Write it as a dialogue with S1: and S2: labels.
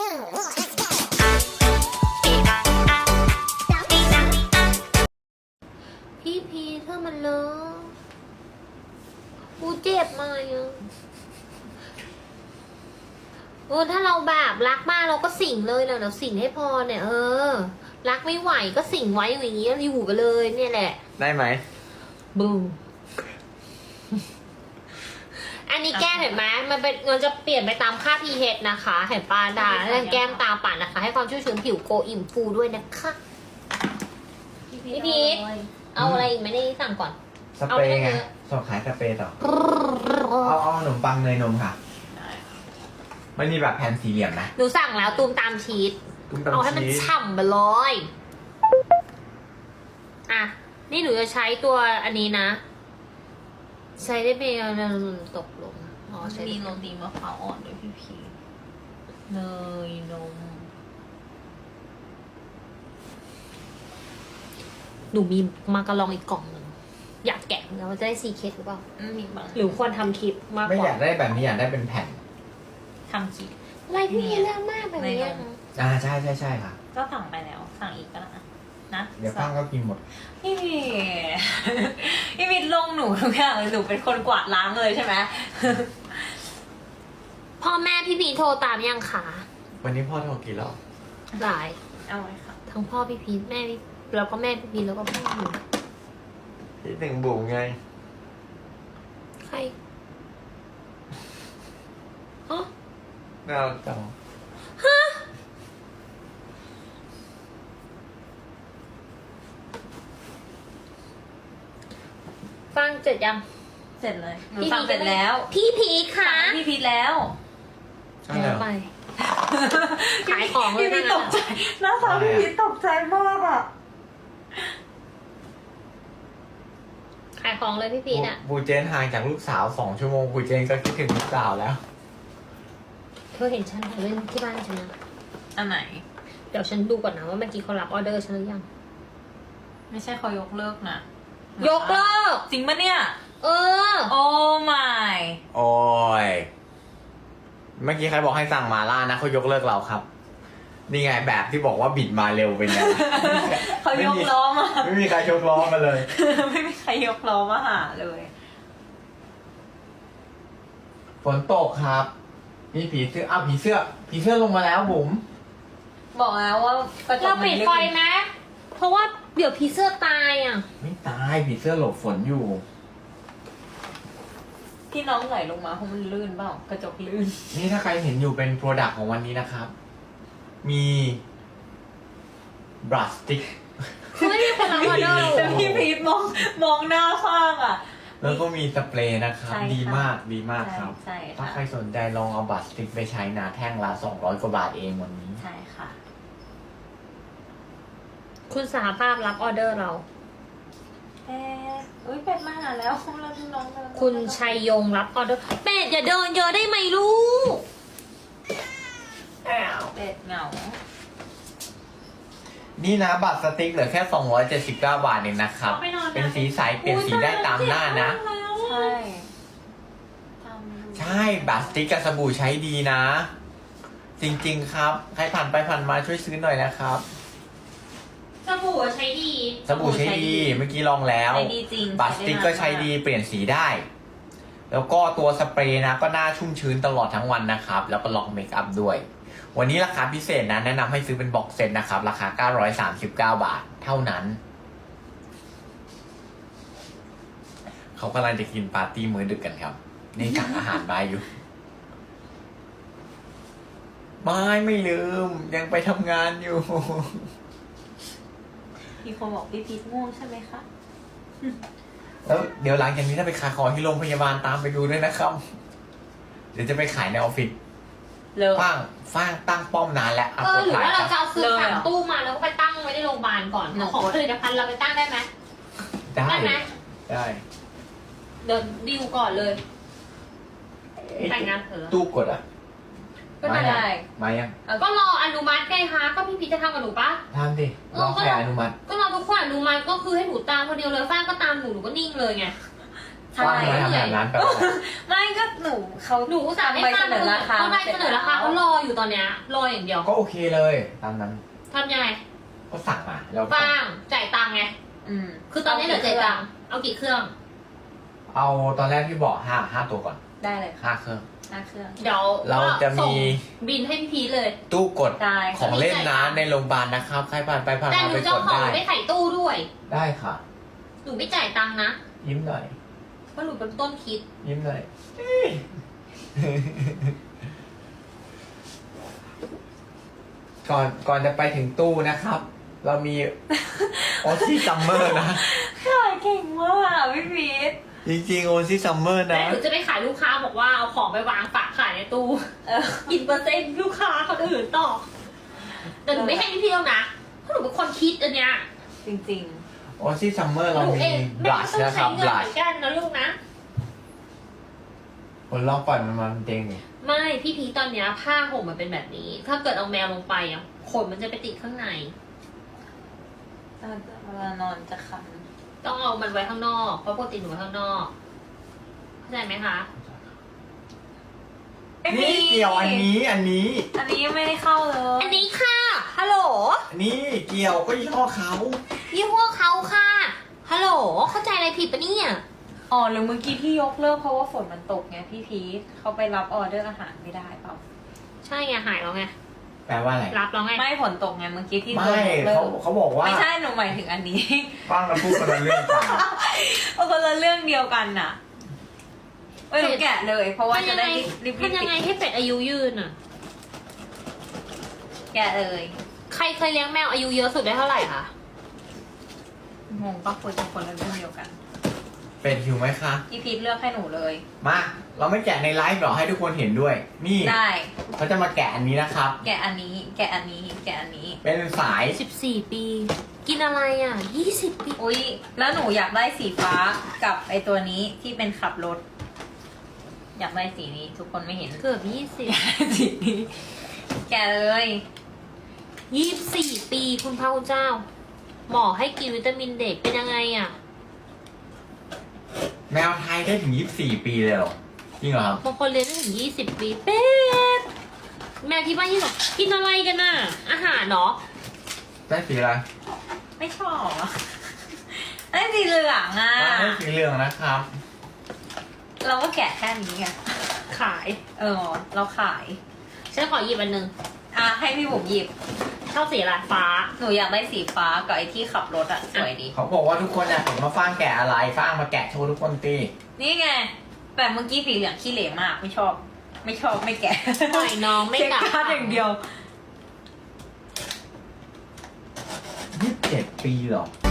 S1: พี่พีถ้ามันเลอะกูเจ็บมากอ่ะถ้าเราแบบรักมากเราก็สิ่งเลยนะเดี๋ยวสิ่งให้พอเนี่ยรักไม่ไหวก็สิ่งไว้อย่างนี้อยู่ไปเลยเนี่ยแหละ
S2: ได้ไหม
S1: บูอันนี้แก้เห็นไหมมันจะเปลี่ยนไปตามค่า pH นะคะเห็นปลาดาแล้วแก้มตาป่านนะคะให้ความชุ่มชื้นผิวโกอิ่มฟูด้วยนะคะพี่พีทเอาอะไรอีกไหมได้สั่งก่อน
S2: สเปรย์ไงสอบขายสเปรย์ต่อเอาขนมปังเนยนมค่ะไม่มีแบบแผ่นสี่เหลี่ยมนะ
S1: หนูสั่งแล้วตูมตามชีสเอาให้มันฉ่ำไปเลยอ่ะนี่หนูจะใช้ตัวอันนี้นะใช้ได้ไหมตกลง
S3: ใช้มีโรตีมะพร้าวอ่อนด้วยพี่พีเนยนม
S1: หนูมีมาการองอีกกล่องหนึ่งอยากแกะแล้วจะได้ซีเคสหรือเปล่า
S3: มีบาง
S1: หรือควรทำคลิปมากกว่า
S2: ไม่อยากได้แบบนี้อยากได้เป็นแผ่น
S3: ทำคลิป
S1: อะไรพี่เรื่องมากแบบนี้
S2: ใช่ค่ะ
S3: ก็สั่งไปแล้วสั่งอีกก็นะ
S2: เดี๋ยวข้างก็กินหมด
S3: พี่มิดลงหนูทุกอย่างเลยหนูเป็นคนกวาดล้างเลยใช่ไหม
S1: พ่อแม่พี่พีโทรตามยังคะ
S2: วันนี้พ่อโทรกี่รอบ
S1: หลาย
S3: เอาไว้ค่ะ
S1: ทั้งพ่อพี่พีแม่พี่แล้วก็แม่พี่พีแล้วก็พ่อหนู
S2: พี่หนึ่งบุ๋มไง
S1: ใคร
S2: เราจัง
S1: ฟังเสร็จยัง
S3: เสร็จเลยหนูฟังเสร็จแล้ว
S1: พี่พีค่ะ
S3: พี่พีแล้ว
S1: แล้วไปขายของเลย
S3: พี่ตกใจหน้าตาพี่พีตกใจมากอ่ะ
S1: ขายของเลยพี่พีน่ะ
S2: บูเจนห่างจากลูกสาว2 ชั่วโมงบูเจนก็คิดถึงลูกสาวแล้ว
S1: เธอเห็นฉันเล่นที่บ้านฉันนะ
S3: อันไหน
S1: เดี๋ยวฉันดูก่อนนะว่าเมื่อกี้เขารับออเดอร์ฉันหรือยัง
S3: ไม่ใช่เขายกเลิกนะ
S1: ยกเลิก
S3: จริงปะเนี่ยโอ้ my
S2: โอ้ยเมื่อกี้ใครบอกให้สั่งมาล่านะเขายกเลิกเราครับนี่ไงแบบที่บอกว่าบิดมาเร็วเป็นไง
S3: เขายกล้อมา
S2: ไม่มีใครยกล้อมาเลย
S3: ไม่มีใครยกล้อมาหาเลย
S2: ฝนตกครับมีผีเสื้อผีเสื้อลงมาแล้วบุ๋ม
S3: บอกแล้วว่า
S1: เราปิดไฟไหมเพราะว่าเดี๋ยวผีเสื้อตายอ่ะ
S2: ไม่ตายผีเสื้อหลบฝนอยู่
S3: ที่น้องไหลลงมาเพราะมันลื่นเปล่ากระจกลื่น
S2: นี่ถ้าใครเห็นอยู่เป็นโปรดักต์ของวันนี้นะครับมีบรัชสติ๊ก
S1: ไม่มีคนรับออเดอร์
S3: แต่พี่พีทมองหน้าข้างอ่ะ
S2: แล้วก็มีสเปรย์นะครับดีมากครับ
S3: ใช่
S2: ถ้าใครสนใจลองเอาบรัชสติ๊กไปใช้นะแท่งละ200 กว่าบาทเองวันนี้
S3: ใช่ค่ะ
S1: คุณสหภาพรับออเดอร์เรา
S3: เป็ดมาหาแล้วเราน้อง
S1: คุณชัยยงรับออเดอร์เป็ดอย่าเดินเยอะได้ไหมลูก
S3: เป็ดเหงา
S2: นี่นะบัตรสติ๊กเหลือแค่279 บาทเองนะครับเป็นสีใสเปลี่ยนสีได้ตามหน้านะใช่บัตรสติ๊กกับสบู่ใช้ดีนะจริงๆครับใครผ่านไปผ่านมาช่วยซื้อหน่อยนะครับ
S1: สบู่ใช้ดี
S2: เมื่อกี้ลองแล้วบัตรสติ๊กก็ใช้ดีเปลี่ยนสีได้แล้วก็ตัวสเปรย์นะก็หน้าชุ่มชื้นตลอดทั้งวันนะครับแล้วก็ล็อกเมคอัพด้วยวันนี้ราคาพิเศษนะแนะนำให้ซื้อเป็นบ็อกเซตนะครับราคา939 บาทเท่านั้นเขากำลังจะกินปาร์ตี้มื้อดึกกันครับนี่สั่งอาหารมาอยู่ไม่ลืมยังไปทำงานอยู่
S3: มีคนบอกพี่พีทง่วงใช่ไหมคะ
S2: แล้วเดี๋ยวหลังจากนี้ถ้าไปขายของที่โรงพยาบาลตามไปดูด้วยนะครับเดี๋ยวจะไปขายในออฟฟิศฟ้างตั้งป้อมนานแล้ว
S1: หรือว่าเราจะเอาซื้อถังตู้มาแล้วก็ไปตั้งไว้ในโรงพยาบาลก่อนของผลิตภัณฑ์เราไปตั้งได้ไหม
S2: ได้ไหมได้
S1: เดี๋ยวดิวก่อนเลยแต่งงานเถอะ
S2: ตู้กดอ่ะ
S1: ก็ได้
S2: มายัง
S1: ก็รออนุมัติไงคะก็พี่พีจะทำกับหนูปะ
S2: ทำดิรอใครอนุมัติ
S1: ก็รอทุกคนอนุมัติก็คือให้หนูตามคนเดียวเลยฟ้าก็ตามหนูก็นิ่งเลยไง
S3: ใช่
S2: ว่าทำไมทำแบบนั้นแปลว่าอะไร
S3: ไม่ก็เขา
S1: หนูอุตส่าห์ให้
S3: ใบ
S1: ป้า
S3: เสนอราคา
S1: เขาได้เสนอราคาเขารออยู่ตอนเนี้ยรออย่างเดียว
S2: ก็โอเคเลยตามนั้น
S1: ทำยังไง
S2: ก็สั่งมาแล้ว
S1: ฟางจ่ายตังค์ไง คือตอนนี้เหลือจ่ายตังค์เอากี่เครื่อง
S2: เอาตอนแรกที่บอก5ตัวก่อน
S3: ได้เลยค่ะ
S2: 5 เครื่อง
S3: 5 เครื่อง
S1: เดี๋ยว
S2: เราจะมี
S1: ส่งบินให้พี่พีชเลย
S2: ตู้กด
S3: ได้
S2: ของเล่นน้ำในโรงพยาบาลนะครับ ใครผ่านไปผ่าน
S1: แต่
S2: มา
S1: หนู
S2: ไป
S1: จะ
S2: ก
S1: เอา
S2: ด
S1: ของ
S2: ได้
S1: ไปใส่ตู้ด้วย
S2: ได้ค่ะ
S1: หนูไม่จ่ายตังค์นะ
S2: ยิ้มหน่อย
S1: เพราะหนูเป็นต้นคิด
S2: ยิ้มหน่อย ก่อนจะไปถึงตู้นะครับ เรามีโอซี่ซัมเมอร์นะ
S3: ขายเก่งมากพี่พีท
S2: จริงๆโอซี่ซัมเมอร์
S1: แต่
S2: นะ
S1: หนูจะไปขายลูกค้าบอกว่าเอาของไปวางฝากขายในตู้ กินเปอร์เซ็นต์ลูกค้าคนอื่นต่อ แต่หนูไม่ให้พี่พีชแล้วนะเพราะหนูเป็นคนคิดอันเนี้ย
S3: จริง
S2: โอซี่ซัมเมอร์
S1: ห
S2: เรา
S1: นู
S2: มี
S1: เอง
S2: บ
S1: แม่
S2: ลัช
S1: ก็ต้อง
S2: นะค
S1: ใช้
S2: รับ
S1: เงิ
S2: บ
S1: น
S2: ลั
S1: เห
S2: ช
S1: มือนกันนะลูกนะ
S2: คนลองปล่อยมันมาเด้งดิ
S1: ไม่พี่พีชตอนเนี้ยผ้าห่มมันเป็นแบบนี้ ถ้าเกิดเอาแมวลงไปอ่ะขนมันจะไปติดข้างใน
S3: ๆเวลานอนจะคัน
S1: ต้องเอามันไว้ข้างนอกเพราะปกติหนูไว้ข้างนอกเข้าใจไหมคะ
S2: นี่เกี่ยวอันนี้
S3: อันนี้ยังไม่ได้เข้าเลย
S1: อันนี้ค่ะฮัลโหล
S2: นี่เกี่ยวก็ยี่ห้อเขา
S1: ยี่ห้อเขาค่ะฮัลโหลเข้าใจอะไรผิดปะเนี่ย
S3: อ๋อหรือเมื่อกี้ที่ยกเลิกเพราะว่าฝนมันตกไงพี่พีทเขาไปรับออเดอร์อาหารไม่ได้เปล่า
S1: ใช่ไงหายแล้วไง
S2: แปลว่าอะไร
S1: รับแล้วไง
S3: ไม่ฝนตกไงเมื่อกี้ที่
S2: ไม่
S3: โดนยกเลิก
S2: เขาบอกว่า
S3: ไม่ใช่หนูหมายถึงอันนี้
S2: ฟังแล้วพูดคนละเรื่องกัน
S3: เอาคนละเรื่องเดียวกันน่ะเอ้ยหนูแกะเลย เพราะว่าจะได้รีบ
S1: ทำยังไงให้เป็ดอายุยืนอ่ะ
S3: แกะเลย
S1: ใครเคยเลี้ยงแมวอายุเยอะสุดได้เท่าไหร่คะ
S3: งงปะคุยกันคนละเรื่องเดียวกัน
S2: เป็นหิวไหมคะ
S3: พี่พีทเลือกให้หนูเลย
S2: มา เราไม่แกะในไลฟ์หรอให้ทุกคนเห็นด้วย นี่
S3: ได้
S2: เขาจะมาแกะอันนี้นะครับ
S3: แกะอันนี้ แกะอันนี้ แกะอันนี้
S2: เป็นสาย
S1: 14 ปี กินอะไรอ่ะ20 ปี
S3: อุ้ยแล้วหนูอยากได้สีฟ้ากับไอตัวนี้ที่เป็นขับรถ อยากได้สีนี้ทุกคนไม่เห็น
S1: เกือบ
S3: สีนี้แกะเลย
S1: 20 24 ปีคุณพระคุณเจ้า หมอให้กินวิตามินเด็กเป็นยังไงอ่ะ
S2: แมวไทยได้ถึง 24 ปีเลยเหรอ จริงเหรอครับ
S1: บางคนเรียนได้ถึง20 ปีเป็ดแมวที่บ้านที่บอกกินอะไรกันน่ะ อาหารเนาะ
S2: ได้สีอะไร
S3: ไม่ชอบอะได้สีเหลืองอ่ะ
S2: ได้สีเหลืองนะครับ
S3: เราก็แกะแค่นี้ไง
S1: ขาย
S3: เราขาย
S1: ฉันขอหยิบอันหนึง
S3: อ่ะให้พี่บุ๋มหยิบ
S1: ชอบสีอะไรฟ้า
S3: หนูอยากได้สีฟ้ากับไอที่ขับรถอ่ะสวยดี
S2: เขาบอกว่าทุกคนอยากเห็นมาฟางแกะอะไรฟางมาแกะโชว์ทุกคนตี
S3: นี่ไงแต่เมื่อกี้สีเหลืองขี้เหร่มาก ไม่ชอบ ไม่แกะ
S1: ปล่อยน้องไม่
S3: เช็ค
S1: กลับ
S3: การ์ดอย่างเดียว
S2: 27 ปีเหรอ